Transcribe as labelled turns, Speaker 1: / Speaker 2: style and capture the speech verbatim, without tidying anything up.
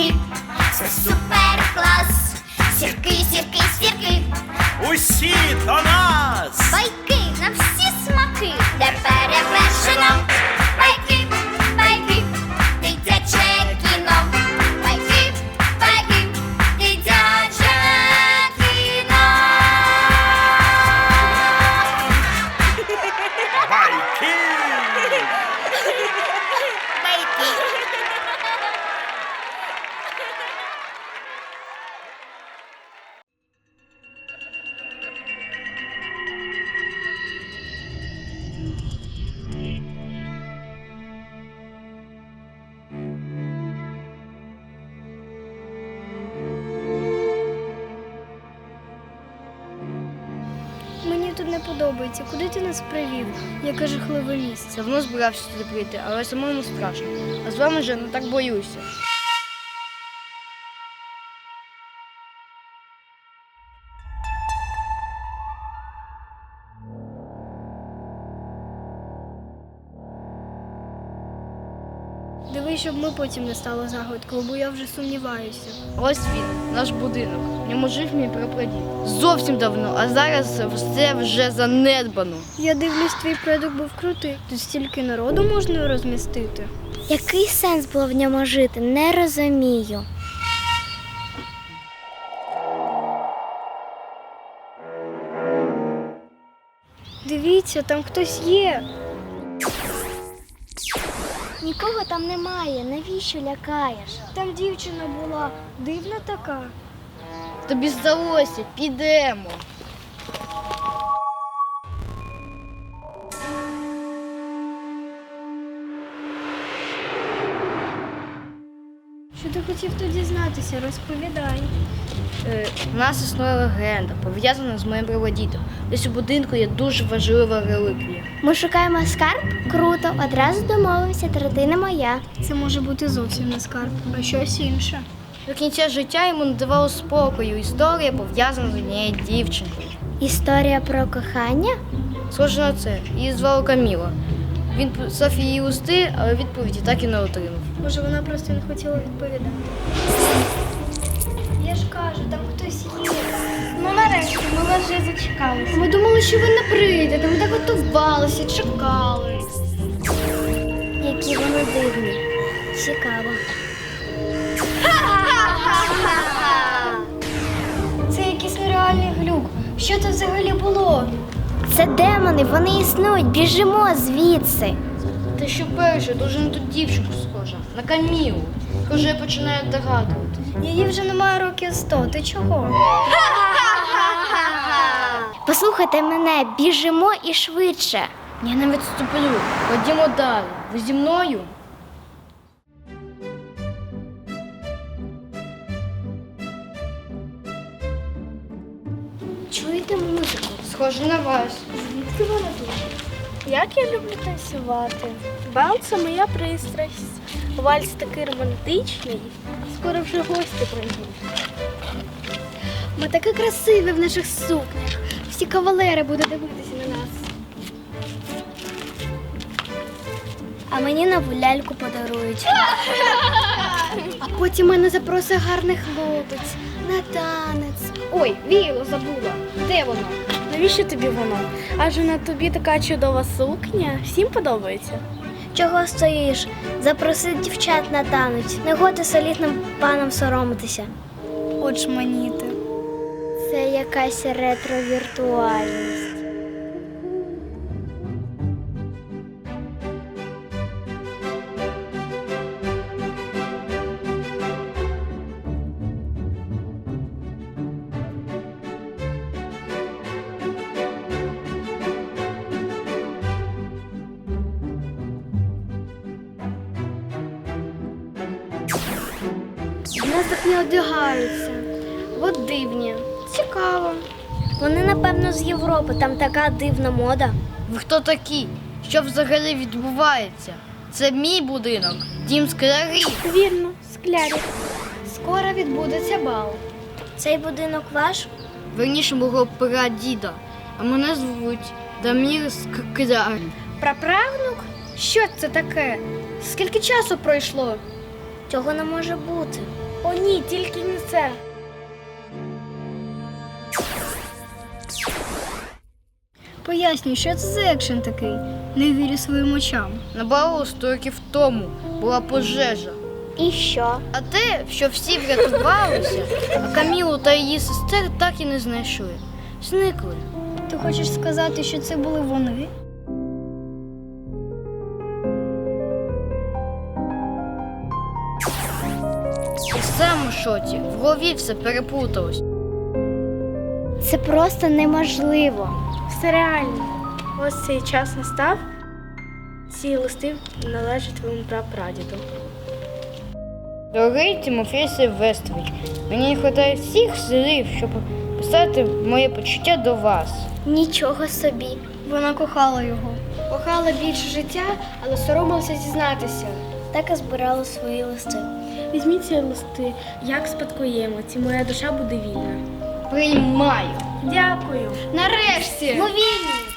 Speaker 1: сірки, це супер клас. Сірки, сірки, сірки,
Speaker 2: Усі до нас!
Speaker 1: байки на всі смаки, де перевершено. Байки, байки, дитяче кіно. Байки, байки, дитяче кіно.
Speaker 2: Байки!
Speaker 3: Мені тут не подобається. Куди ти нас привів? Яке жахливе місце.
Speaker 4: Давно збирався сюди прийти, але самому страшно. А з вами вже не так боюся.
Speaker 3: Дивись, щоб ми потім не стало загадкою, бо я вже сумніваюся.
Speaker 4: Ось він, наш будинок. В ньому жив мій прапрадід. Зовсім давно, а зараз все вже занедбано.
Speaker 3: Я дивлюсь, твій предок був крутий. Тут стільки народу можна розмістити.
Speaker 1: Який сенс було в ньому жити, не розумію.
Speaker 3: Дивіться, там хтось є.
Speaker 1: Нікого там немає, навіщо лякаєш?
Speaker 3: Там дівчина була, дивна така.
Speaker 4: Тобі здалося, підемо.
Speaker 3: Що ти хотів тут дізнатися? Розповідай.
Speaker 4: Е, у нас існує легенда, пов'язана з моїм прапрадідом. Десь у будинку є дуже важлива реліквія.
Speaker 1: Ми шукаємо скарб? Круто, одразу домовимося, третина моя.
Speaker 3: Це може бути зовсім не скарб, а щось інше.
Speaker 4: До кінця життя йому не давало спокою. Історія пов'язана з однією дівчинкою.
Speaker 1: Історія про кохання?
Speaker 4: Схоже на це. Її звали Каміла. Він писав її листи, але відповіді так і не отримав.
Speaker 3: Може, вона просто не хотіла відповідати. Я ж кажу, там хтось є.
Speaker 1: Ну нарешті, ми вас вже зачекалися.
Speaker 3: Ми думали, що ви не прийдете, ми так готувалися, чекали.
Speaker 1: Які вони дивні. Цікаво.
Speaker 3: Це якийсь нереальний глюк. Що це взагалі було?
Speaker 1: Це демони, вони існують, біжимо звідси.
Speaker 4: Та що перше, дуже на ту дівчинку схожа. На Камілу. Вже я починаю догадувати.
Speaker 3: Її вже немає років сто. Ти чого?
Speaker 1: Послухайте мене, біжимо і швидше.
Speaker 4: Я не відступлю. Ходімо далі. Ви зі мною?
Speaker 3: Чуєте музику?
Speaker 4: Схоже на вас.
Speaker 3: Звідки вона тут? Як я люблю танцювати. Бал – це моя пристрасть. Вальс такий романтичний. Скоро вже гості прийдуть. Ми такі красиві в наших сукнях. Всі кавалери будуть дивитися на нас.
Speaker 1: А мені нову ляльку подарують.
Speaker 3: А потім мене запросить гарний хлопець на танець. Ой, віяло забула. Де воно? Навіщо тобі воно? Адже на тобі така чудова сукня. Всім подобається.
Speaker 1: Чого стоїш? Запроси дівчат на танець. Не годи солідним панам соромитися.
Speaker 3: Очманіти.
Speaker 1: Це якась ретровіртуальність.
Speaker 3: В нас так не одягаються. От дивні. Цікаво.
Speaker 1: Вони, напевно, з Європи. Там така дивна мода.
Speaker 4: Ви хто такі? Що взагалі відбувається? Це мій будинок, дім склярів.
Speaker 3: Вірно, склярів. Скоро відбудеться бал.
Speaker 1: Цей будинок ваш?
Speaker 4: Верніше мого прадіда. А мене звуть Дамір Скляр.
Speaker 3: Праправнук? Що це таке? Скільки часу пройшло?
Speaker 1: Цього не може бути.
Speaker 3: О ні, тільки не це.
Speaker 5: Пояснюй, що це за екшен такий? Не вірю своїм очам.
Speaker 4: На балу сто років тому була пожежа.
Speaker 1: І що?
Speaker 4: А те, що всі врятувалися, а Камілу та її сестер так і не знайшли. Зникли.
Speaker 5: Ти хочеш сказати, що це були вони?
Speaker 4: І сам у шоці, в голові все переплуталось.
Speaker 1: Це просто неможливо.
Speaker 3: Все реально. Ось цей час настав. Ці листи належать твоєму прапрадіду.
Speaker 4: Дорогий Тимофій Сильвестрович, мені не вистачає всіх слів, щоб писати моє почуття до вас.
Speaker 1: Нічого собі.
Speaker 5: Вона кохала його.
Speaker 3: Кохала більше життя, але соромилася зізнатися.
Speaker 1: Так і збирала свої листи.
Speaker 3: Візьміть ці листи, як спадкоємець, і моя душа буде вільна.
Speaker 4: Приймаю.
Speaker 3: Дякую.
Speaker 5: Нарешті!
Speaker 1: Ми вільні!